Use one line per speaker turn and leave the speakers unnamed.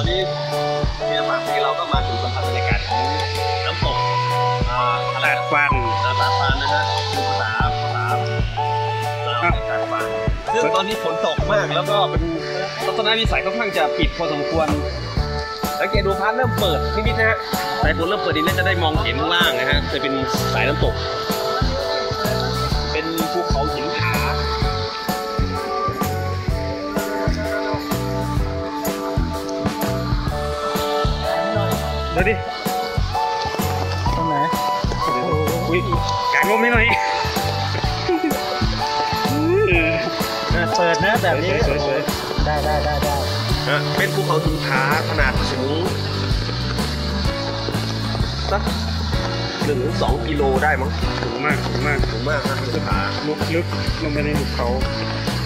นี้เนี่ยบางทีเราก็มาถึงสัมผัสบรรยากาศของน้ำตก
ตาดฟัน
ตาดฟันนะฮะคือภาษาลาวตาดฟันซึ่งตอนนี้ฝนตกมากแล้วก็เป็นทัศนวิสัยค่อนข้างจะปิดพอสมควรสังเกตดูพาร์ทเริ่มเปิดนิดๆนะฮะสายฝนเริ่มเปิดนิดน่าจะได้มองเห็นข้างล่างนะฮะจะเป็นสายน้ำตกเป็นภูเขาหินผา
ดูดิตรงไหนอุ้ยกางลมให้หน่อย
เปิดนะแบบนี้ได้
เป็นภูเขาหินผาขนาดสูงสัก1-2 กิโลได้มั้ง
สูงมาก
นะหินผา
ลึกลงไปในหุบเขา